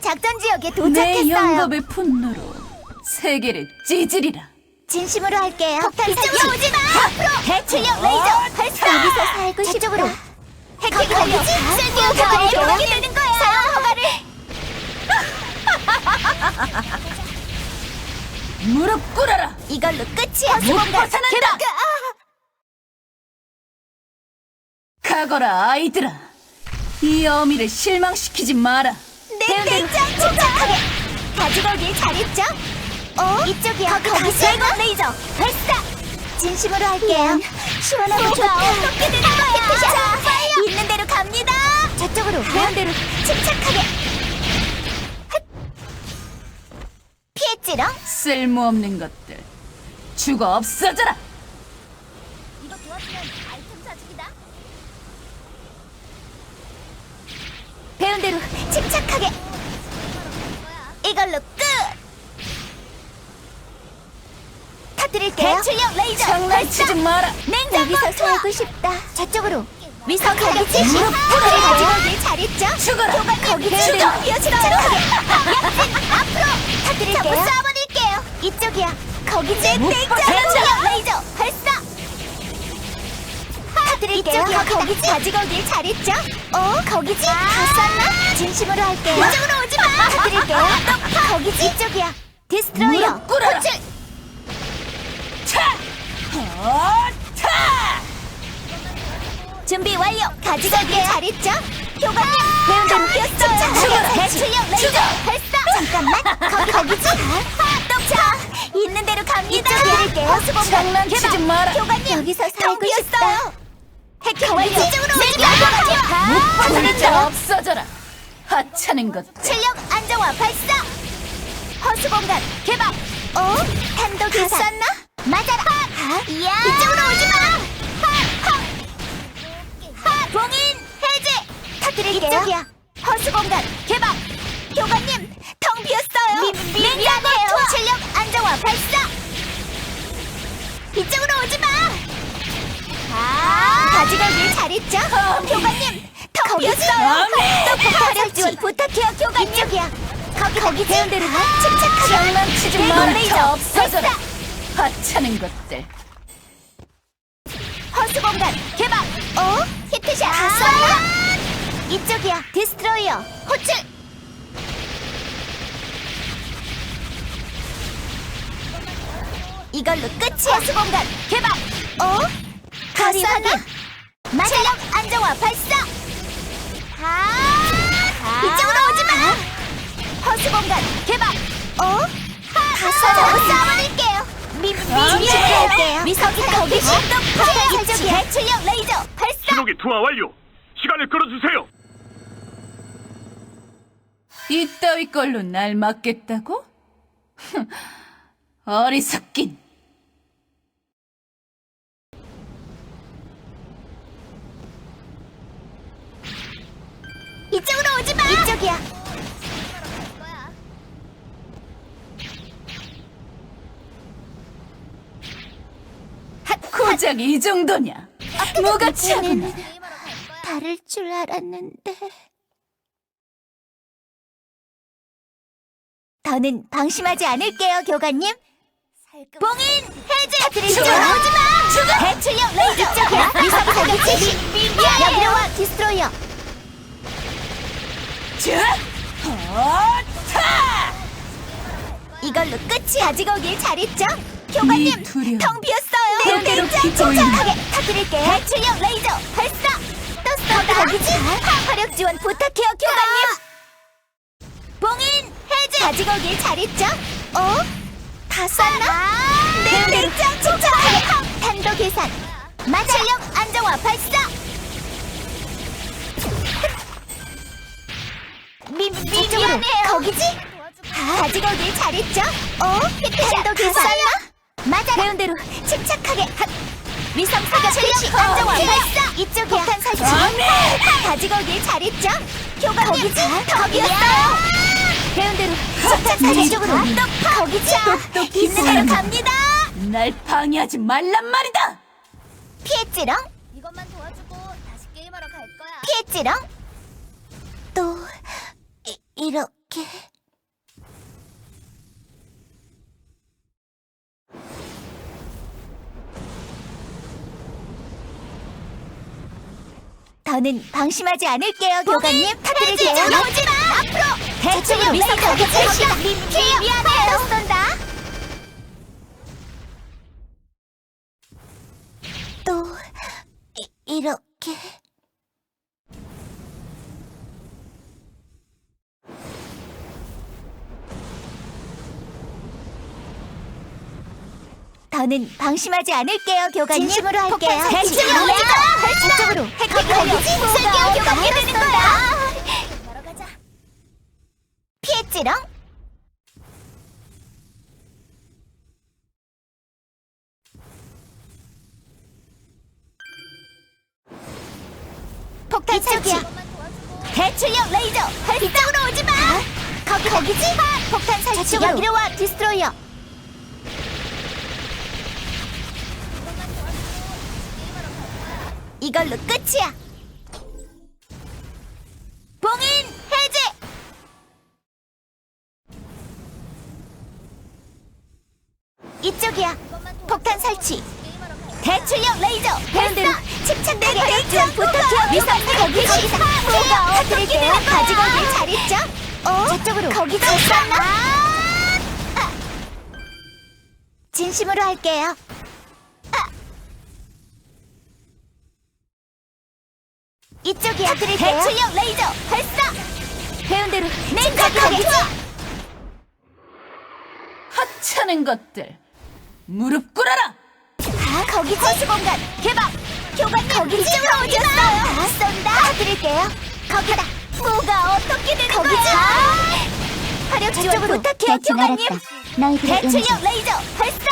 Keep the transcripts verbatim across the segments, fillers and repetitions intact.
작전 지역에 내 도착했어요. 영겁의 분노로 세계를 찢으리라. 진심으로 할게요. 폭탄 이쪽으로 오지 마. 앞으로 대출력 레이저 발사. 여기서 살고 싶다. 저쪽으로. 해킹 완료. 쓸데없는 거리를 보게 되는 거야. 사용 허가를. 무릎 꿇어라. 이걸로 끝이야. 못 벗어난다. 가거라 아이들아. 이 어미를 실망시키지 마라. 내 대장 침착하게. 가지고 오길 잘했죠? 어? 이쪽이야. 거기 대공 레이저 발사. 진심으로 할게요. 시원하고 좋다. 어떻게 되는 거야? 자, 있는 대로 갑니다. 저쪽으로. 배운 대로 침착하게. 피했지롱? 쓸모없는 것들 죽어 없어져라. 이거 도와주면 아이템 사주기다. 배운 대로 침착하게. 이걸로 끝. 터뜨릴게요. 대출력 레이저 장난치지 마라. 여기서 살고 싶다. 저쪽으로. 위성 가격 제시. 무릎을 가지고 오길 잘했죠? 죽어라. 거기 죽어. 침착하게. 약진 앞으로. 터뜨릴게요. 전부 쏴버릴게요. 이쪽이야. 거기 제 대출력 레이저 발사. 터뜨릴게요. 거기 가지고 오길 잘했죠? 어? 거기지? 다 쐈나? 진심으로 할게요. 이쪽으로 오지 마. 터뜨릴게요. 거기지? 이쪽이야. 디스트로이어. 무릎 꿇어라. 호출. 차! 어, 차! 준비 완료. 가지고 오길 잘했죠? 교관님 배운 대로 뛰었어요. 죽어라. 대출력 레이저 발사. 잠깐만. 거기 거기지? 똑차. 있는 대로 갑니다. 이쪽이야. 허수공간 장난치지 개방. 마라. 교관님 여기서 살고 싶다. 해킹 완료. 이쪽으로 오지 마. 무파들자 없어져라. 하찮은 것들. 출력 안정화 발사. 허수공간 개방. 어? 탄도 계산. 쐈나? 맞아라. 하. 이야. 이쪽으로 오지 마. 하. 하. 하. 봉인 해제. 터뜨릴게요. 이쪽이야. 허수공간 개방. 교관님 텅 비었어요. 미, 미, 미안해요. 출력 안정화 발사. 이쪽으로 오지 마. 아. 가지고 오길 잘했죠? 교관님 텅 비었어요. 또 폭탄 지원 부탁해요. 교관님. 이쪽이야. 거기 거기 배운 대로 침착하게. 장난치지 대공 마라. 레이저 없어져라. 발사. 하찮은 것들. 허수공간 개방. 어? 히트샷. 다 쐈나? 이쪽이야. 디스트로이어 호출. 이걸로 끝이야. 허수공간 개방. 어? 다 쐈나? 체력 안정화 발사. 아. 이쪽으로 오지 마. 허수공간 개방. 어? 다 쐈나? 쏴버릴게요. 미, 미, 미실게요. 미석이 거기 이쪽이 대출력 레이저 발사. 신호기 투하 완료. 시간을 끌어주세요. 이따위 걸로 날 막겠다고? 어리석긴. 이쪽으로 오지 마. 이쪽이야. 고작 이 정도냐? 뭐가 차구나. 다를 줄 알았는데. 더는 방심하지 않을게요, 교관님. 봉인 해제. 이쪽으로 오지 마. 죽어. 대출력 레이저. 이쪽이야. 위성 사격 제시. 여기로 와. 디스트로이어. 자, 어, 타! 이걸로 끝이. 가지고 오길 잘했죠? 교관님 네 두려움. 텅 비었어요. 배운 대로 기꺼이. 침착하게 터뜨릴게요. 대출력 레이저 발사. 또 쏜다. 거기지? 화력 지원 부탁해요, 교관님. 봉인 해제. 가지고 오길 잘했죠? 어? 다 쐈나? 네, 대장 침착하게. 탄도 계산. 마찰력 안정화 발사. 미, 미, 미안해요. 거기지? 가지고 오길 잘했죠? 어? 탄도 계산. 맞아. 배운 대로 침착하게. 위성 사격 실시 안정화 발사. 이쪽이야. 폭탄 설치. 가지고 오길 잘했죠? 교관님 거기지? 거기였어요. 배운 대로 폭탄 설치. 이쪽으로. 거기지? 똑똑히 있는 대로 보인다. 갑니다. 날 방해하지 말란 말이다. 피했지롱? 이것만 도와주고 다시 게임하러 갈 거야. 피했지롱? 또 이, 이러 이렇게 더는 방심하지 않을게요, 교관님. 터뜨릴게요. 오지마! 앞으로! 대충 레이저 개시다! 미안해요! 쏜다! 또 이, 이렇게 더는 방심하지 않을게요, 교관님. 진심으로 할게요. 대충 레이저! 저쪽으로 핵핵 쓸게요, 교관님. 되는 거야. 피했지롱? 폭탄 설치. 대출력 레이저. 이쪽으로 오지 마. 거기 거기지? 폭탄 설치. 여기로 와, 디스트로이어. 이걸로 끝이야. 봉인 해제. 이쪽이야. 폭탄 설치. 대출력 레이저. 배운대로 침착되게 대충 부탁해요. 위선 거기 거기서 뭐가 어떻게요? 가지고 오길 잘했죠? 어? 저쪽으로 거기 좀 쐈나? 아. 진심으로 할게요. 이쪽이야. 대출력 레이저 발사. 배운대로 침착하게. 하찮은 것들, 무릎 꿇어라! 아, 거기 허수 공간 개방. 교관님 거기 이쪽으로 오셨어요. 다 쏜다. 드릴게요. 거기다. 뭐가 어떻게 되는 거기지? 거야? 화력 지원 부탁해요, 교관님. 대출력 레이저 발사.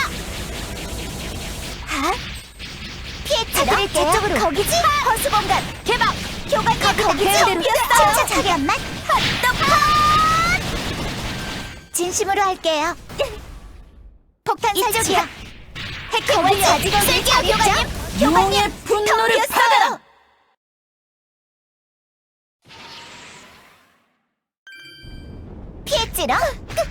아? 피했지롱. 저쪽으로 거기지? 허수 공간 개방. 교관님 거기 처음 비었어요. 침착하게만. 헛떡. 진심으로 할게요. 폭탄 설치야. 핵핵을 가지고 쓸게요, 교관님. 용의 분노를 받아라! 피했지롱.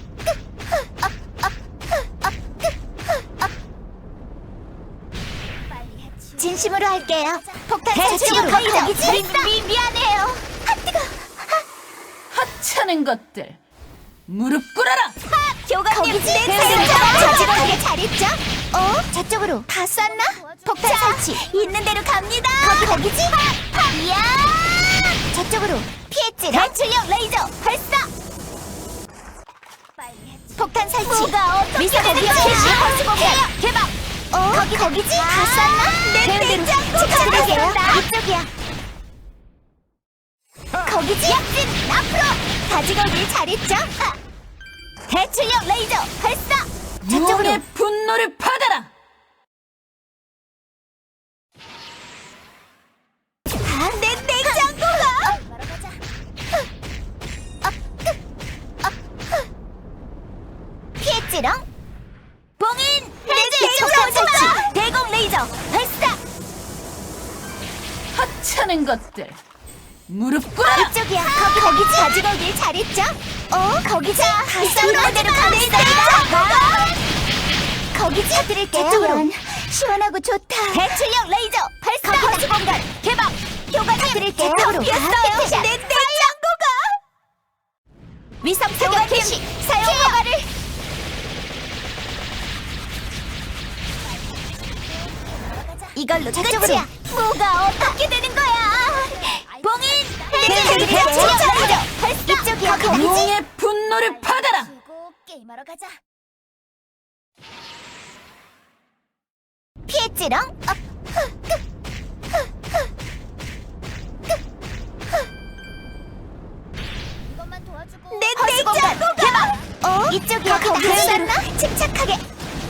진심으로 할게요. 폭탄 설치로 거기지? 미, 미안해요. 아, 뜨거. 하찮은 것들, 무릎 꿇어라! 교관님 내 자지하게 잘했죠? 어? 저쪽으로 다 쐈나? 폭탄 설치 있는 대로 갑니다. 거기 거기지? 이야! 저쪽으로 피했지? 대출력 레이저 발사! 폭탄 설치. 뭐가 어떻게 되는 거야? 허수 공간 개방. 어? 거기 거기지? 다 쐈나? 내 냉장고가 이쪽이야. 거기지? 약진 앞으로 가지고 오길 잘했죠? 아. 대출력 레이저 발사. 저쪽으로. 용의 분노를 받아라! 아, 내 냉장고가. 피했지롱. 봉인 해제. 이쪽으로 오지 마. 대공 레이저 발사. 하찮은 것들, 무릎 꿇어라! 이쪽이야. 거기 거기지? 가지고 오길 잘했죠? 어? 거기지? 있는 대로 가겠습니다. 거기지? 드릴게요. 저쪽으로. 시원하고 좋다. 대출력 레이저 발사. 거기 공간 개방. 교관님 드릴게요. 저쪽으로. 비었어요. 내 냉장고가. 위성 사격 개시. 사용 허가를. 이걸로 끝이야. 뭐가 어떻게 되는 거야? 봉인 해제. 대출력 레이저 발사. 이쪽이야. 거기지? 용의 분노를 받아라! 게임하러 가자. 피했지롱? 어, 흐, 흐, 흐, 흐, 흐, 흐. 이것만 도와주고. 내 냉장고가 개방. 어? 이쪽이야. 거기 쐈나? 침착하게.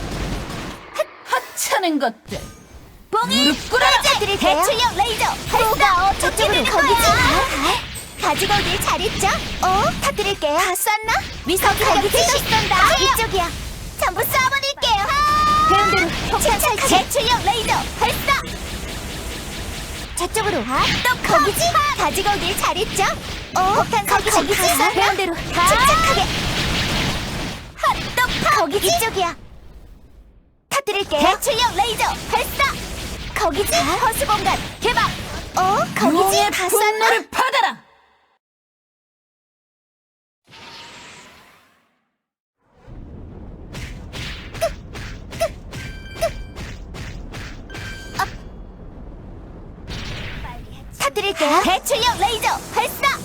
하찮은 것들, 봉인 무릎 꿇어라! 대출력 레이저 발사. 저쪽으로 거기지? 가지고 오길 잘했죠? 어? 터뜨릴게요. 다 쐈나? 위성 거기 지시 쏜다. 이쪽이야. 전부 쏴버릴게요. 배운대로 폭탄 설치. 대출력 레이저 발사. 저쪽으로. 아, 또 거기지? 가지고 오길 잘했죠? 어, 폭탄 거기 거기지? 배운 대로 침착하게. 하, 또 거기지? 이쪽이야. 터뜨릴게요. 대출력 레이저 발사. 거기지? 허수 공간 개방. 어, 거기지? 용의 다 쐈나? 분노를 받아라. 터뜨릴게요. 대출력 레이저 발사.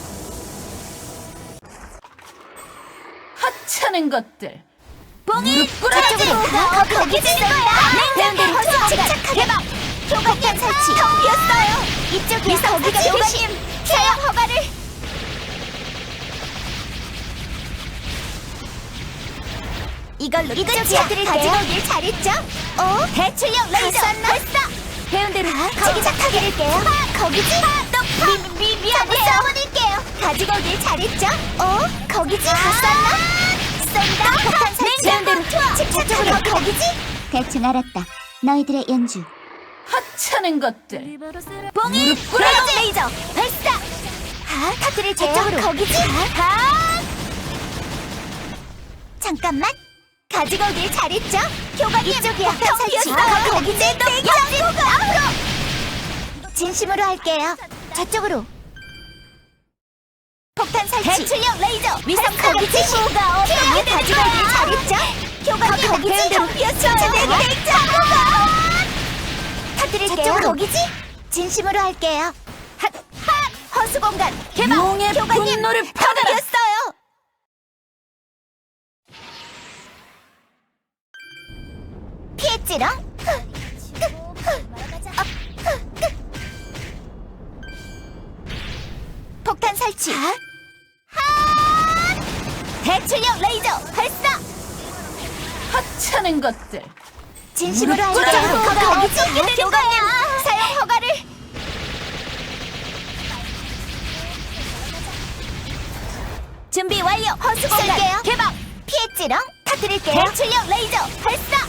하찮은 것들. 봉이 무릎 꿇어라. 저쪽으로 가. 거기 찌는 거야. 배운대로 침착하게 개방. 교관님 설치. 텅 비었어요. 이쪽이야. 거기가 교관님 사용 허가를. 이걸로 이쪽이야. 가지고 오길 잘했죠? 어? 대출력 레이저 발사. 배운대로 침착하게 할게요. 거기지? 또 미, 미, 미안해요. 싸워드릴게요. 가지고 오길 잘했죠? 어? 거기지? 다 쐈나? 쏜다. 폭탄 설치. 배운대로 침착하게. 거기지? 대충 알았다. 너희들의 연주. 하찮은 것들. 봉이 무릎 꿇어라. 레이저 발사. 아, 터뜨릴 저쪽으로. 거기지? 아. 잠깐만. 가지고 오길 잘했죠? 교관님 이쪽이야. 폭탄 설치. 거기지? 또 앞으로. 진심으로 할게요. 저쪽으로. 폭탄 설치. 대출력 레이저. 위성 거기지? 뭐가 어떻게 가지고 오길 잘했죠? 교관님 거기지? 텅 비었어요. 터뜨릴게요. 거기지? 진심으로 할게요. 핫! 핫! 허수 공간 개방. 용의 교관님 분노를 받아라. 텅비었어요. 피했지롱. 폭탄 설치. 핫! 대출력 레이저 발사. 하찮은 것들. 진심으로 무릎 할게요. 꿇어라. 거기지? 교관님 사용 허가를. 준비 완료. 허수 공간 개방. 피했지롱. 터뜨릴게요. 대출력 레이저 발사.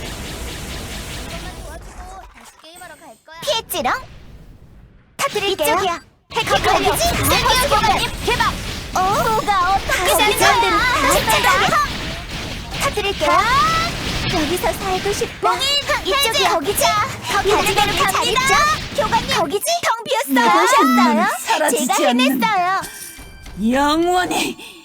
피했지롱. 터뜨릴게요. 이쪽이야. 해커 거기지? 허수 공간 개방. 어? 뭐가 어떻게 되는 거야? 침착하게. 터뜨릴게요. 여기서 살고 싶어. 이쪽이 거기지? 가지고를 잘했죠? 교관님 거기지? 텅 비었어요. 음, 보셨어요? 사라지지 제가 않는 해냈어요. 영원히